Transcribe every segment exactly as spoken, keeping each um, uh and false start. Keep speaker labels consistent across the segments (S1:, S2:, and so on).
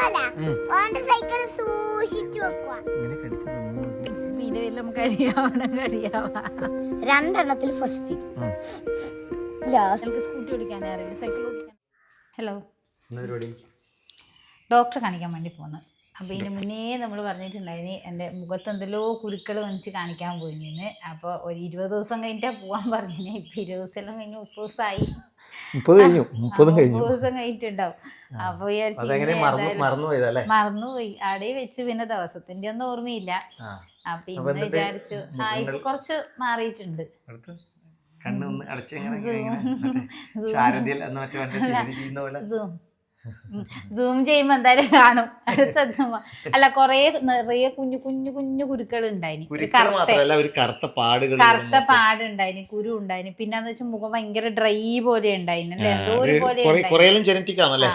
S1: രണ്ടെണ്ണത്തിൽ first
S2: scooty ഓടിക്കാനേ അറിയില്ല, cycle ഓടിക്കാൻ. Hello, ഡോക്ടറെ കാണിക്കാൻ വേണ്ടി പോകുന്നു. അപ്പോൾ ഇതിന് മുന്നേ നമ്മൾ പറഞ്ഞിട്ടുണ്ടായിന് എൻ്റെ മുഖത്ത് എന്തെല്ലോ കുരുക്കൾ വന്നിട്ട് കാണിക്കാൻ പോയിന്ന്. അപ്പോൾ ഒരു ഇരുപത് ദിവസം കഴിഞ്ഞിട്ടാണ് പോകാൻ പറഞ്ഞിന്. ഇപ്പം ഇരുപത് ദിവസം കഴിഞ്ഞ് മുപ്പത് ദിവസമായി, മുപ്പത് കഴിഞ്ഞു മുപ്പത് ദിവസം കഴിഞ്ഞിട്ടുണ്ടാവും. അപ്പോൾ മറന്നുപോയി അവിടെ വെച്ച്. പിന്നെ ദിവസത്തിൻ്റെ ഒന്നും ഓർമ്മയില്ല. അപ്പം ഇന്ന് വിചാരിച്ചു ആ ഇപ്പം കുറച്ച് മാറിയിട്ടുണ്ട്. സൂം ചെയ്യുമ്പോ എന്തായാലും കാണും. അടുത്തെത്തുമ്പോ അല്ല കൊറേ നിറയെ കുഞ്ഞു കുഞ്ഞു കുഞ്ഞു കുരുക്കൾ ഉണ്ടായിന്, കറുത്ത പാടുണ്ടായിന്, കുരു ഉണ്ടായിന്. പിന്നെന്ന് വെച്ചാൽ മുഖം ഭയങ്കര ഡ്രൈ പോലെ ഉണ്ടായിന്, എന്തോ ഒരു പോലെ.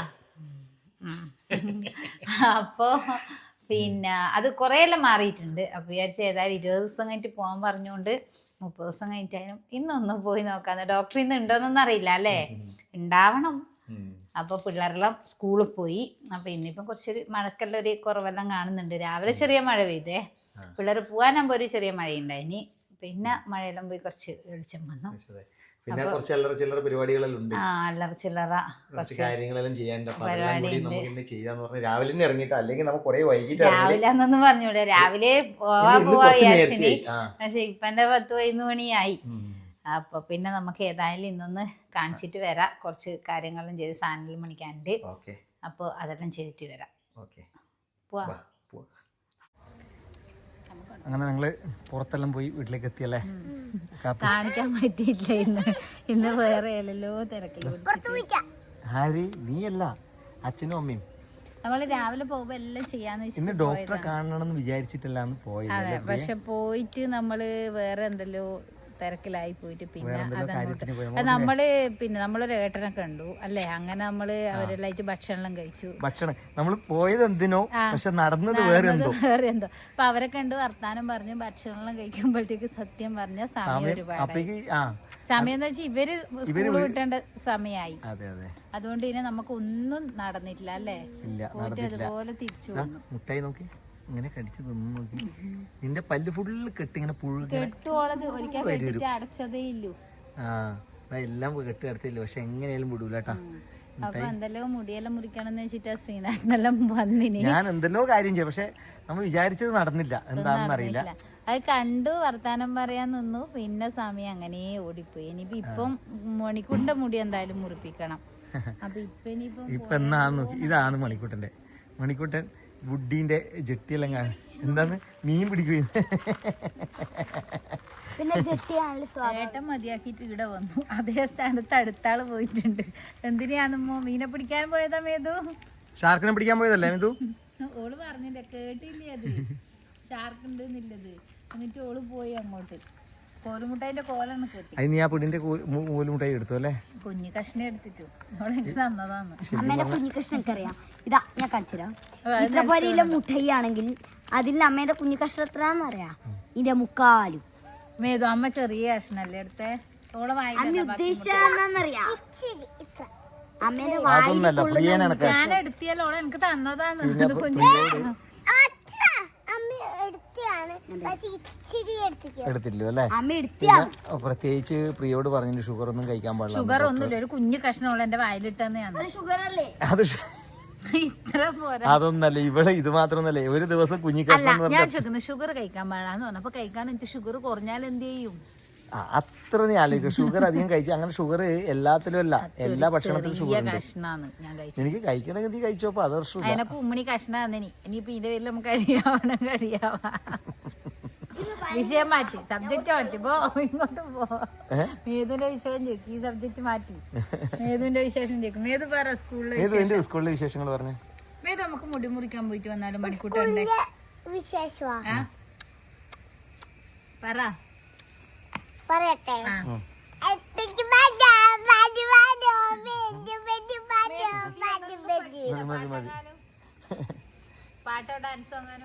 S2: അപ്പൊ പിന്നെ അത് കുറേ എല്ലാം മാറിയിട്ടുണ്ട്. അപ്പൊ വിചാരിച്ച ഏതായാലും ഇരുപത് ദിവസം കഴിഞ്ഞിട്ട് പോകാൻ പറഞ്ഞുകൊണ്ട് മുപ്പത് ദിവസം കഴിഞ്ഞിട്ടായാലും ഇന്നൊന്നും പോയി നോക്കാന്ന്. ഡോക്ടർ ഇന്ന് ഉണ്ടോന്നൊന്നും അറിയില്ല അല്ലേ, ഉണ്ടാവണം. അപ്പോൾ പിള്ളേരെല്ലാം സ്കൂളിൽ പോയി. അപ്പോൾ ഇന്നിപ്പം കുറച്ചൊരു മഴക്കെല്ലാം ഒരു കുറവെല്ലാം കാണുന്നുണ്ട്. രാവിലെ ചെറിയ മഴ പെയ്തേ, പിള്ളേർ പോകാനാകുമ്പോൾ ഒരു ചെറിയ മഴയുണ്ടായിനി. പിന്നെ മഴയെല്ലാം പോയി കുറച്ച് വെളിച്ചം വന്നു.
S3: പിന്നെ കുറച്ച് അല്ലറ ചില്ലറ പരിപാടികളെല്ലാം ഉണ്ട്.
S2: ആ അല്ലറ ചില്ലറ
S3: കുറച്ച് കാര്യങ്ങളെല്ലാം ചെയ്യാനുണ്ട്. രാവിലെ ഇറങ്ങിയിട്ട് അല്ലെങ്കിൽ നമുക്ക് കുറെ വൈകിട്ട്
S2: രാവിലെ എന്നൊന്നും പറഞ്ഞൂടെ, രാവിലെ പോവാ പോവാ വിചാരിച്ചിനി. പക്ഷെ ഇപ്പൊ എന്റെ പത്ത് പതിനൊന്ന് മണിയായി. അപ്പൊ പിന്നെ നമുക്ക് ഏതായാലും ഇന്നൊന്ന് കാണിച്ചിട്ട് വരാം. കുറച്ച് കാര്യങ്ങളും ചെയ്ത് സാധനം മണിക്കാനുണ്ട്. അപ്പോൾ അതെല്ലാം ചെയ്തിട്ട് വരാം. പോവാ.
S3: അങ്ങനെ ഞങ്ങള് പുറത്തെല്ലാം പോയി വീട്ടിലേക്ക് എത്തിയല്ലേ.
S2: കാണിക്കാൻ പറ്റിയില്ല ഇന്ന്. ഇന്ന് വേറെ എല്ലോ തിരക്കിൽ.
S3: ആര് നീയല്ല, അച്ഛനും അമ്മയും.
S2: നമ്മള് രാവിലെ പോകുമ്പോ എല്ലാം ചെയ്യാന്ന് വെച്ചിട്ട്
S3: ഇന്ന് ഡോക്ടറെ കാണണമെന്ന് വിചാരിച്ചിട്ടല്ല പോയത്.
S2: അതെ, പക്ഷെ പോയിട്ട് നമ്മള് വേറെ എന്തെല്ലോ തിരക്കിലായി പോയിട്ട് പിന്നെ നമ്മള് പിന്നെ നമ്മളൊരു ഏട്ടനൊക്കെ കണ്ടു അല്ലേ. അങ്ങനെ നമ്മള് അവരെല്ലായിട്ട് ഭക്ഷണം കഴിച്ചു.
S3: ഭക്ഷണം നമ്മൾ പോയത് എന്തിനോ, പക്ഷെ നടന്നത് വേറെ എന്തോ
S2: വേറെ എന്തോ. അപ്പൊ അവരെ കണ്ട് വർത്താനം പറഞ്ഞു ഭക്ഷണം കഴിക്കുമ്പോഴത്തേക്ക് സത്യം പറഞ്ഞ സമയം ഒരുപാട് സമയം എന്ന് വെച്ചാൽ ഇവര് സ്കൂള് വിട്ടേണ്ട സമയമായി. അതുകൊണ്ട് ഇനി നമുക്ക് ഒന്നും നടന്നിട്ടില്ല അല്ലേ. പോയിട്ട് അതുപോലെ തിരിച്ചു വന്നു.
S3: മുട്ടായി നോക്കി ഇങ്ങനെ കടിച്ചു തിന്നു നോക്കി. നിന്റെ പല്ല് ഫുള്ള് കെട്ടി ഇങ്ങനെ
S2: അടച്ചതേ ഇല്ലു.
S3: ആ എല്ലാം കെട്ടി അടത്തില്ല, പക്ഷെ എങ്ങനെയാലും വിടൂലട്ടാ.
S2: അപ്പൊ എന്തെല്ലോ മുടിയെല്ലാം മുറിക്കണമെന്ന് വെച്ചിട്ടാ ശ്രീനാഥനെല്ലാം വന്നിന്.
S3: ഞാൻ എന്തെല്ലോ കാര്യം ചെയ്യും, പക്ഷെ നമ്മൾ വിചാരിച്ചത് നടന്നില്ല. എന്താണെന്ന് അറിയില്ല.
S2: അത് കണ്ടു വർത്താനം പറയാൻ നിന്നു. പിന്നെ സമയം അങ്ങനെ ഓടിപ്പോയി. ഇനിയിപ്പോ ഇപ്പം മണിക്കൂറിന്റെ മുടി എന്തായാലും മുറിപ്പിക്കണം. അപ്പൊ ഇപ്പൊ ഇനിയിപ്പം
S3: ഇപ്പൊ എന്നാന്ന് നോക്കി. ഇതാണ് മണിക്കൂട്ടന്റെ. മണിക്കൂട്ടൻ വുഡിന്റെ ജെട്ടിയെല്ലാം കാണും. എന്താന്ന് മീൻ പിടിക്കുകയും
S2: ഏട്ടൻ മതിയാക്കിട്ട് ഇവിടെ വന്നു. അതേ സ്ഥാനത്ത് അടുത്താള് പോയിട്ടുണ്ട്. എന്തിനാണെന്നോ മീനെ പിടിക്കാൻ പോയതാ മേതു.
S3: ഷാർക്കിനെ പിടിക്കാൻ പോയതല്ലേ മേതു.
S2: ഓള് പറഞ്ഞില്ല, കേട്ടില്ലേ അത് ഷാർക്ക് ഉണ്ട് എന്നുള്ളത്. എന്നിട്ട് ഓള് പോയി അങ്ങോട്ട്. കോലുമുട്ടായിന്റെ കോലാണ് കേട്ടി.
S3: അത് നീ ആ പിടിന്റെ കോലുമുട്ടായി എടുത്തു അല്ലേ.
S2: കുഞ്ഞു കഷ്ണം എടുത്തിട്ടു ഓളെനിക്ക് തന്നതാണ്.
S1: അമ്മേന്റെ കുഞ്ഞു കഷ്ണം എനിക്ക് അറിയാം. ഇതാ ഞാൻ കാണിച്ചുതരാം. ഇത്രപോലെയുള്ള മുട്ടായി ആണെങ്കിൽ അതിൽ അമ്മേന്റെ കുഞ്ഞു കഷ്ണം എത്രയാന്നറിയാം. ഇതിന്റെ മുക്കാലും.
S2: മേതു അമ്മ ചെറിയ കഷ്ണല്ലേ എടുത്തേ. ഓളെ
S1: ഉദ്ദേശിച്ചറിയാം.
S2: അമ്മേന്റെ ഞാൻ എടുത്തിയല്ലോ ഓളെ എനിക്ക് തന്നതാണ്. കുഞ്ഞു
S3: എടുത്തില്ലോ അല്ലേ. പ്രത്യേകിച്ച് പ്രിയോട് പറഞ്ഞു ഷുഗർ ഒന്നും കഴിക്കാൻ പാടില്ല.
S2: ഷുഗർ ഒന്നുമില്ല, ഒരു കുഞ്ഞു കഷ്ണം എന്റെ വായിലിട്ടെന്നാണ്.
S3: അത് അതൊന്നല്ല ഇവിടെ, ഇത് മാത്രമൊന്നല്ലേ ഒരു ദിവസം കുഞ്ഞു കഷ്ണം.
S2: ഞാൻ ചോദിക്കുന്നു ഷുഗർ കഴിക്കാൻ പാടാന്ന് പറഞ്ഞപ്പോ കഴിക്കാൻ എനിക്ക് ഷുഗർ കുറഞ്ഞാൽ എന്ത് ചെയ്യും?
S3: അത്ര നീ ആലോചിക്കും. ഷുഗർ അധികം കഴിച്ചു. അങ്ങനെ ഷുഗർ എല്ലാത്തിലും അല്ല, എല്ലാ ഭക്ഷണത്തിലും ഷുഗർ ഉണ്ട്. എനിക്ക് കഴിക്കണമെങ്കിൽ നീ കഴിച്ചോപ്പോ അത് പ്രശ്നം.
S2: അതിനൊക്കെ ഉമ്മണി കഷ്ണം ഇനിയിപ്പോ ഇതിന്റെ പേരിൽ നമുക്ക് കഴിയാവണം കഴിയാവാ. വിഷയം മാറ്റി, സബ്ജക്റ്റ് മാറ്റി. പോ ഇങ്ങോട്ട് പോ. മേതുവിന്റെ വിഷയം ചോദിക്കും, ഈ സബ്ജക്ട് മാറ്റി മേതുവിന്റെ വിശേഷം ചോദിക്കും. മേതു പറ സ്കൂളിലെ
S3: സ്കൂളിലെ വിശേഷങ്ങൾ പറഞ്ഞു.
S2: മേതു നമുക്ക് മുടി മുറിക്കാൻ പോയിട്ട് വന്നാലും മണിക്കൂട്ടുണ്ട് പറ.
S1: പറയട്ടെ.
S2: പാട്ടോ ഡാൻസോ അങ്ങാനും.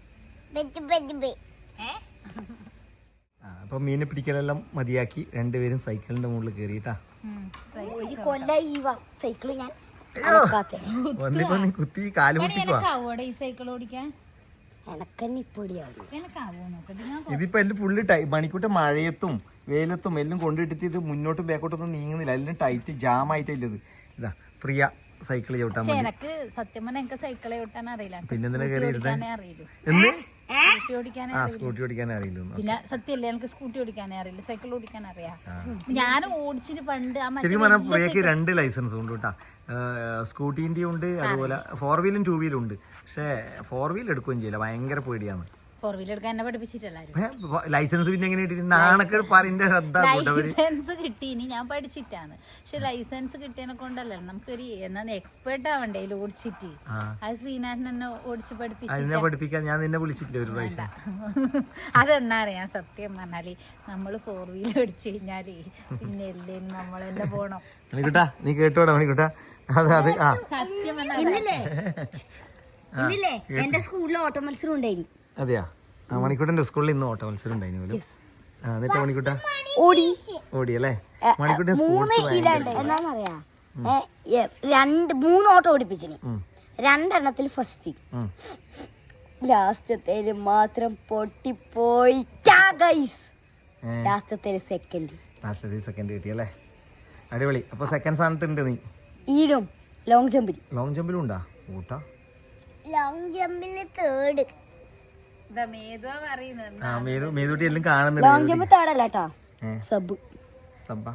S3: അപ്പൊ മീനെ പിടിക്കലെല്ലാം മതിയാക്കി രണ്ടുപേരും സൈക്കിളിന്റെ മുകളിൽ കയറിയിട്ടാ.
S1: ഒരു കൊല്ല ഈ സൈക്കിള് ഞാൻ
S3: വന്നിപ്പോ നീ കുത്തി കാല് പൊട്ടിക്കുവാ.
S2: ഈ സൈക്കിൾ ഓടിക്കാൻ
S1: എനക്കന്നിപ്പൊടിയാവും.
S2: എനക്കാവോ നോക്കട്ടെ ഞാൻ
S3: ഇതിപ്പോ എല്ലാം ഫുള്ള് ടൈ മണിക്കൂട്ട മഴയത്തും വെയിലത്തും എല്ലാം കൊണ്ടിട്ടിട്ട് ഇത് മുന്നോട്ടും ബാക്കോട്ടൊന്നും നീങ്ങുന്നില്ല. എല്ലാം ടൈറ്റ് ജാം ആയിട്ടില്ലത്. ഇതാ പ്രിയ സൈക്കിൾ ചവിട്ടാൻ
S2: പക്ഷെ
S3: വേണ്ടി.
S2: എനക്ക് സത്യം പറഞ്ഞാൽ എനിക്ക് സൈക്കിൾ ഓട്ടാൻ അറിയില്ല.
S3: പിന്നെ എന്തിനാ കയറി ഇരുന്നേ?
S2: അറിയില്ല
S3: എന്ന്
S2: സ്കൂട്ടി ഓടിക്കാനേ
S3: ആ സ്കൂട്ടി ഓടിക്കാനേ അറിയില്ല.
S2: പിന്നെ സത്യമല്ലേ എനിക്ക് സ്കൂട്ടി ഓടിക്കാനേ അറിയില്ല, സൈക്കിൾ ഓടിക്കാൻ അറിയാം. ഞാൻ ഓടിച്ചിട്ട് പണ്ട് ആ
S3: ശരിക്കും പറഞ്ഞാൽ പ്രിയക്ക് രണ്ട് ലൈസൻസ് ഉണ്ട് കേട്ടാ. സ്കൂട്ടീൻ്റെ ഉണ്ട്, അതുപോലെ ഫോർ വീലും ടൂ വീലും ഉണ്ട്. പക്ഷേ ഫോർ വീൽ എടുക്കുകയും ചെയ്യില്ല, ഭയങ്കര പേടിയാണ്.
S2: ഫോർ വീലർ എടുക്കാൻ എന്നെ പഠിപ്പിച്ചിട്ടല്ലാരും.
S3: ലൈസൻസ് പിന്നെ എങ്ങനെ കിട്ടി? നാണക്കേട് പറയിന്റെ ശ്രദ്ധ.
S2: ലൈസൻസ് കിട്ടീനി ഞാൻ പഠിച്ചിട്ടാണ്. പക്ഷെ ലൈസൻസ് കിട്ടിയതിനെ കൊണ്ടല്ല നമുക്കൊരു എന്നാ എക്സ്പേർട്ട് ആവണ്ടേ ഇതിൽ ഓടിച്ചിട്ട്. അത് ശ്രീനാഥൻ എന്നെ ഓടിച്ച് പഠിപ്പിച്ചു.
S3: അതിനെ പഠിപ്പിക്കാൻ ഞാൻ നിന്നെ വിളിച്ചിട്ടില്ല ഒരു പ്രാവശ്യം.
S2: അതെന്നാ അറിയാം സത്യം പറഞ്ഞാല് നമ്മള് ഫോർ വീലർ ഓടിച്ചു കഴിഞ്ഞാല് പിന്നെ എല്ലേ നമ്മളെന്നെ പോണം.
S3: മണിക്കുട്ടാ നീ കേട്ടോടാ മണിക്കുട്ടാ. അതെ അതെ ആ
S2: സത്യം
S1: ഇന്നില്ലേ ഇന്നില്ലേ എന്റെ സ്കൂളിൽ ഓട്ട മത്സരം ഉണ്ടായി.
S3: അതെയാ? ആ മണിക്കൂട്ടന്റെ സ്കൂളിൽ ഇന്ന് ഓട്ട മത്സരം ഉണ്ടായിരുന്നു പോലും. ആ എന്നിട്ട് മണിക്കൂട്ട
S1: ഓടി
S3: ഓടിയല്ലേ? മണിക്കൂട്ടൻ
S1: മൂന്ന്
S3: സ്പോർട്സ്
S1: എന്താന്നറിയാ രണ്ട് മൂന്ന് ഓട്ടം ഓടിപ്പിച്ചിന്. രണ്ടെണ്ണത്തിൽ ഫസ്റ്റ്, ലാസ്റ്റത്തേല് മാത്രം പൊട്ടിപ്പോയി. ലാസ്റ്റത്തേല് സെക്കൻഡ്.
S3: ലാസ്റ്റത്തെ സെക്കൻഡ് കിട്ടിയല്ലേ? അടിപൊളി. അപ്പൊ സെക്കൻഡ് സ്ഥാനത്തുണ്ട് നീ.
S1: ഈരും ലോങ് ജമ്പിൽ
S3: ലോങ് ജമ്പിലും ഉണ്ടാ ഓട്ടാ?
S1: Long ജമ്പിൽ third.
S3: ആ മേതു മേതുട്ടി എല്ലാം കാണുന്നുണ്ട്.
S1: ലോങ് ജമ്പ് തേർഡല്ലാട്ടാ, സബ്
S3: സബ്ബ.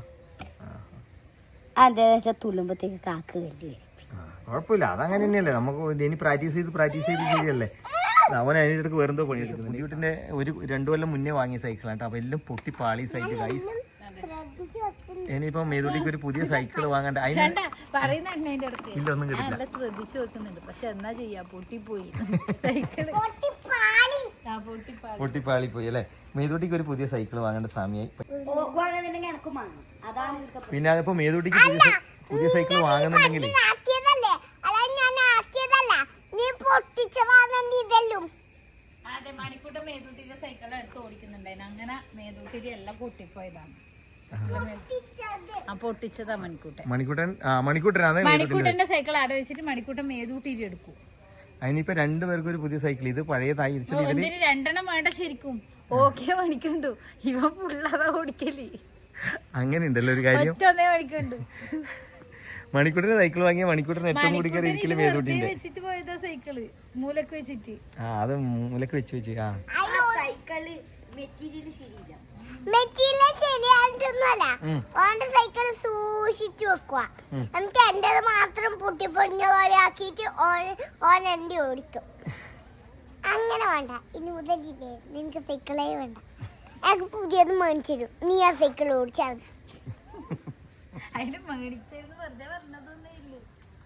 S1: അതെ തുള്ളുമ്പത്തേക്ക് കാക്ക് കല്ല് വരും.
S3: കുഴപ്പമില്ല, അതങ്ങനെ തന്നെയല്ലേ. നമുക്ക് ഇനി പ്രാക്ടീസ് ചെയ്ത് പ്രാക്ടീസ് ചെയ്ത് ശരിയല്ലേ. അവൻ അതിനിടക്ക് വേറെന്തോ പണി എടുക്കുന്നത്. വീട്ടിന്റെ ഒരു രണ്ടു കൊല്ലം മുന്നേ വാങ്ങിയ സൈക്കിളാണ് അപ്പൊ എല്ലാം പൊട്ടി പാളി സൈക്കിൾ ഗൈസ്. ഇനിയിപ്പോ മേതുട്ടിക്ക് ഒരു പുതിയ സൈക്കിൾ വാങ്ങണ്ട. അതിന് ഇല്ല ഒന്നും കിട്ടില്ല.
S2: ശ്രദ്ധിച്ചു വെക്കുന്നുണ്ട് പക്ഷെ എന്നാ ചെയ്യാ പൊട്ടിപ്പോയി സൈക്കിള്.
S3: പൊട്ടിപ്പാളി പോയി അല്ലേ? മേതുട്ടിക്ക് ഒരു പുതിയ സൈക്കിൾ വാങ്ങേണ്ട സമയമായി. പിന്നെ അതിപ്പോ മേതുട്ടിക്ക് പുതിയ പുതിയ സൈക്കിൾ വാങ്ങുന്നുണ്ടെങ്കിൽ
S2: അതെ മണിക്കൂട്ട മേതൂട്ടിന്റെ സൈക്കിൾ എടുത്ത് ഓടിക്കുന്നുണ്ടായിരുന്നു. അങ്ങനെ മേതൂട്ടിന്റെ എല്ലാം പൊട്ടിപ്പോയതാണ്. ആ പൊട്ടിച്ചതാ മണിക്കൂട്ടൻ.
S3: മണിക്കൂട്ടൻ മണിക്കൂട്ടൻ അതെ
S2: മണിക്കൂട്ടന്റെ സൈക്കിൾ ആടെ വെച്ചിട്ട് മണിക്കൂട്ടൻ മേതൂട്ടിട്ട് എടുക്കും.
S3: അതിനിപ്പോ രണ്ടുപേർക്കും ഒരു പുതിയ സൈക്കിൾ. ഇത് പഴയതായി
S2: ഇതിന് രണ്ടെണ്ണം വേണ്ട ശരിക്കും. ഓക്കെ മണിക്കുണ്ടു ഇവ പുള്ളതാ ഓടിക്കല്.
S3: അങ്ങനെ ഉണ്ടല്ലോ ഒരു കാര്യം.
S2: ഒറ്റൊന്നേ മണിക്കുണ്ട്.
S3: മണിക്കൂട്ടിന്റെ സൈക്കിൾ വാങ്ങിയ മണിക്കൂട്ടിന് ഏറ്റവും കൂടി കയറി ഇരിക്കല് മേതൂട്ടിന്റെ.
S2: വെച്ചിട്ട് പോയതാ സൈക്കിള് മൂലക്ക് വെച്ചിട്ട്.
S3: ആ അത് മൂലക്ക് വെച്ച് വെച്ച് ആ
S1: സൈക്കിള് മെറ്റീരിയൽ ശരിയില്ല. മെറ്റീരിയൽ ശരിയായിട്ടൊന്നുമല്ല, ഓന്റെ സൈക്കിൾ സൂക്ഷിച്ചു വെക്കുക. എന്നിട്ട് എന്റേത് മാത്രം പൊട്ടിപ്പൊടിഞ്ഞ പോലെ ആക്കിയിട്ട് ഓൻ ഓൻ എന്റെ ഓടിക്കും. അങ്ങനെ വേണ്ട, ഇനി മുതലില്ലേ നിനക്ക് സൈക്കിളേ വേണ്ട, എനിക്ക് പുതിയത് മേടിച്ചു തരും, നീ ആ സൈക്കിൾ ഓടിച്ചാൽ മതി.
S2: അതിന് മേടിച്ചെന്ന് വെറുതെ പറഞ്ഞതൊന്നേ ഇല്ലു.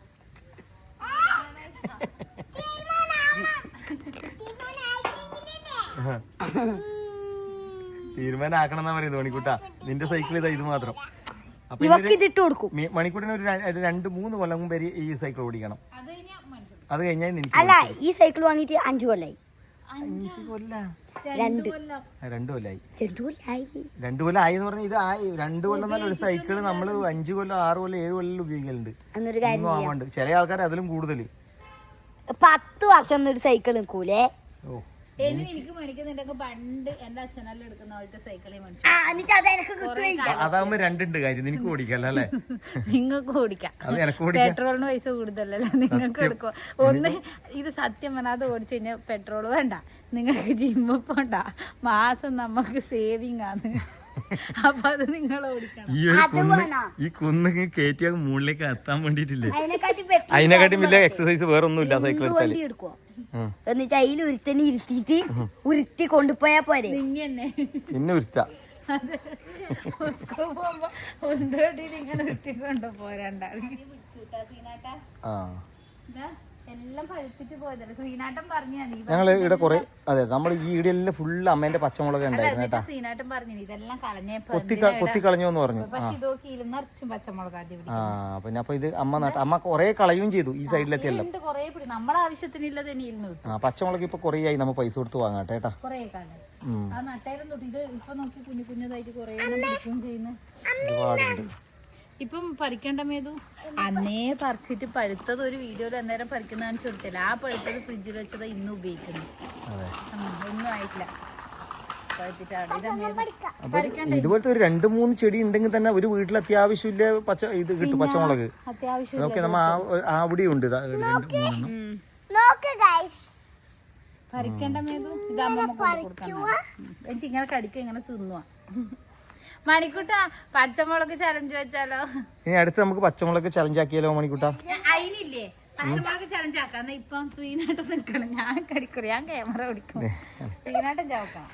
S3: തീരുമാനമാക്കണം എന്നാ പറയുന്നത് മണിക്കൂട്ടാ. നിന്റെ സൈക്കിൾ ഇതാ ഇത് മാത്രം. അപ്പൊ മണിക്കൂട്ടിന് ഒരു രണ്ട് മൂന്ന് കൊല്ലം മുമ്പ് ഈ സൈക്കിൾ ഓടിക്കണം. അത് കഴിഞ്ഞാൽ നിനക്ക്
S1: അല്ല ഈ സൈക്കിൾ വാങ്ങിയിട്ട് അഞ്ചു കൊല്ലായി.
S3: അഞ്ചു കൊല്ല
S1: രണ്ട്
S3: രണ്ടു കൊല്ലായി.
S1: രണ്ടു കൊല്ലായി
S3: രണ്ടു കൊല്ലം ആയി എന്ന് പറഞ്ഞാൽ ഇത് ആയി. രണ്ടു കൊല്ലം തന്നെ ഒരു സൈക്കിള് നമ്മള് അഞ്ചു കൊല്ലം ആറ് കൊല്ലം ഏഴ് കൊല്ലം ഉപയോഗിക്കലുണ്ട്. ഒന്നും ആവാണ്ട് ചില ആൾക്കാർ അതിലും കൂടുതല്
S1: പത്ത് വർഷം ഒരു സൈക്കിൾ നിൽക്കൂലേ.
S3: ഓ
S2: എനിക്ക് മേടിക്കുന്നുണ്ടൊക്കെ പണ്ട് എന്റെ അച്ഛനെല്ലാം എടുക്കുന്ന പോലത്തെ സൈക്കിളെ
S3: അതാവുമ്പോ രണ്ടുണ്ട് കാര്യം. നിനക്ക് ഓടിക്കല്ല അല്ലേ?
S2: നിങ്ങൾക്ക് ഓടിക്കാം. പെട്രോളിന് പൈസ കൂടുതലല്ലേ നിങ്ങൾക്ക് എടുക്കുക. ഒന്ന് ഇത് സത്യം പറഞ്ഞാൽ അത് ഓടിച്ചു കഴിഞ്ഞാൽ പെട്രോൾ വേണ്ട, നിങ്ങൾക്ക് ജിമ്മ് പോണ്ട, മാസം നമുക്ക് സേവിങ് ആണ്. അപ്പൊ അത് നിങ്ങൾ ഓടിക്കണം.
S3: ഈ ഒരു കുന്ന് ഈ കുന്ന് കയറ്റിയ മുകളിലേക്ക് എത്താൻ വേണ്ടിട്ടില്ലേ, അതിനെക്കാട്ടി വലിയ എക്സസൈസ് വേറെ ഒന്നും ഇല്ല സൈക്കിൾ എടുത്താല്.
S1: എന്നിട്ട് അതിൽ ഉരുത്തന്നെ ഇരുത്തിട്ട് ഉരുത്തി കൊണ്ടുപോയാ പോരെ.
S3: പിന്നെ ഉരുത്ത
S2: പോകുമ്പോ ഒന്നോട്ടിട്ട് ഇങ്ങനെ ഉരുത്തി കൊണ്ടുപോരണ്ട.
S3: ആ
S2: എല്ലാം പഴുത്തിട്ട് പോയതല്ലേ ശ്രീനാട്ടൻ പറഞ്ഞാ.
S3: ഞങ്ങള് ഇവിടെ കൊറേ അതെ നമ്മൾ ഈ ഈടെല്ലാം ഫുള്ള് അമ്മേന്റെ പച്ചമുളക് ഉണ്ടായിരുന്നു കേട്ടാ.
S2: ശ്രീനാട്ടൻ പറഞ്ഞു ഇതെല്ലാം കളഞ്ഞപ്പോ
S3: കൊത്തി കളഞ്ഞു എന്ന് പറഞ്ഞു.
S2: നിറച്ചും പച്ചമുളക്
S3: ആ പിന്നെ അപ്പൊ ഇത് അമ്മ നട്ട അമ്മ കൊറേ കളയും ചെയ്തു ഈ സൈഡിലെത്തിയല്ലോ.
S2: കൊറേ നമ്മളെ ആവശ്യത്തിനില്ല തന്നെ.
S3: ആ പച്ചമുളക് ഇപ്പൊ കൊറേ ആയി നമ്മ പൈസ കൊടുത്ത് വാങ്ങാട്ടെ കേട്ടാ.
S2: കൊറേ കാലം ആ നട്ടായിരുന്നു തൊട്ട് ഇത് ഇപ്പൊ നോക്കി കുഞ്ഞു കുഞ്ഞതായിട്ട് കൊറേ പിടിക്കുകയും ചെയ്യുന്നു.
S3: ഒരുപാടുണ്ട്.
S2: ഇപ്പം പറിക്കണ്ട മേതു അന്നേ പറിച്ചിട്ട് പഴുത്തത് ഒരു വീഡിയോയിൽ അന്നേരം പറിക്കുന്ന കാണിച്ചു കൊടുത്തില്ല. ആ പഴുത്തത് ഫ്രിഡ്ജിൽ വെച്ചത് ഇന്ന് ഉപയോഗിക്കുന്നു. ഒന്നും ആയിട്ടില്ല.
S3: ഇതുപോലത്തെ ഒരു രണ്ട് മൂന്ന് ചെടി ഉണ്ടെങ്കിൽ തന്നെ ഒരു വീട്ടിൽ അത്യാവശ്യമില്ല പച്ച ഇത് കിട്ടും. പച്ചമുളക്
S2: അത്യാവശ്യം
S3: ഓക്കെ നമ്മ അവിടെ ഉണ്ട്
S2: പറിക്കണ്ട മേതു. ഇതാകുമ്പോ എനിക്ക് ഇങ്ങനെ കടിക്ക ഇങ്ങനെ തിന്നുക. മണിക്കൂട്ടാ പച്ചമുളക് ചലഞ്ച് വെച്ചാലോ?
S3: ഇനി അടുത്ത് നമുക്ക് പച്ചമുളക് ചലഞ്ച് ആക്കിയാലോ മണിക്കൂട്ടാ?
S2: അതിനില്ലേ പച്ചമുളക് ചലഞ്ച് ആക്കാം. ഇപ്പം ശ്രീനാട്ടം നിൽക്കണം. ഞാൻ കടിക്കും, ഞാൻ ക്യാമറ പിടിക്കും. ശ്രീനാട്ടം ചാവക്കാം.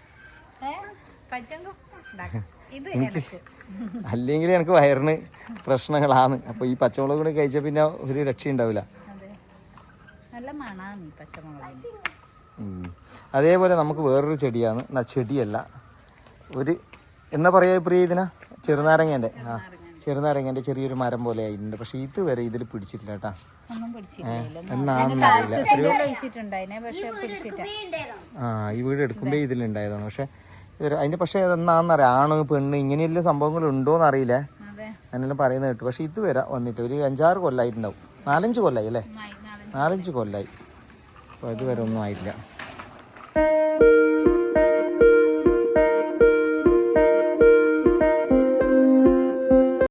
S3: അല്ലെങ്കിൽ എനിക്ക് വയറിന് പ്രശ്നങ്ങളാണ്. അപ്പൊ ഈ പച്ചമുളക് കൂടി കഴിച്ചാൽ പിന്നെ ഒരു രക്ഷ ഉണ്ടാവില്ല.
S2: നല്ല മണാണ് പച്ചമുളക്.
S3: അതേപോലെ നമുക്ക് വേറൊരു ചെടിയാണ്, ചെടിയല്ല ഒരു എന്നാ പറയാ പ്രിയ ഇതിനാ, ചെറുനാരങ്ങേൻ്റെ. ആ ചെറുനാരങ്ങേൻ്റെ ചെറിയൊരു മരം പോലെ ആയിട്ടുണ്ട്. പക്ഷെ ഇതുവരെ ഇതിൽ പിടിച്ചിട്ടില്ല കേട്ടാ. എന്നാണെന്ന് അറിയില്ല. എത്രയോ ആ ഈ വീട് എടുക്കുമ്പോ ഇതിലുണ്ടായതാണ്. പക്ഷെ അതിന്റെ പക്ഷെ എന്നാന്നറിയാം, ആണ് പെണ്ണ് ഇങ്ങനെയുള്ള സംഭവങ്ങൾ ഉണ്ടോന്ന് അറിയില്ലേ, അങ്ങനെല്ലാം പറയുന്നത് കേട്ടു. പക്ഷെ ഇതുവരെ വന്നിട്ട് ഒരു അഞ്ചാറ് കൊല്ലായിട്ടുണ്ടാവും. നാലഞ്ച് കൊല്ലായി അല്ലേ? നാലഞ്ച് കൊല്ലായി. അപ്പോൾ ഇതുവരെ ഒന്നും ആയിട്ടില്ല.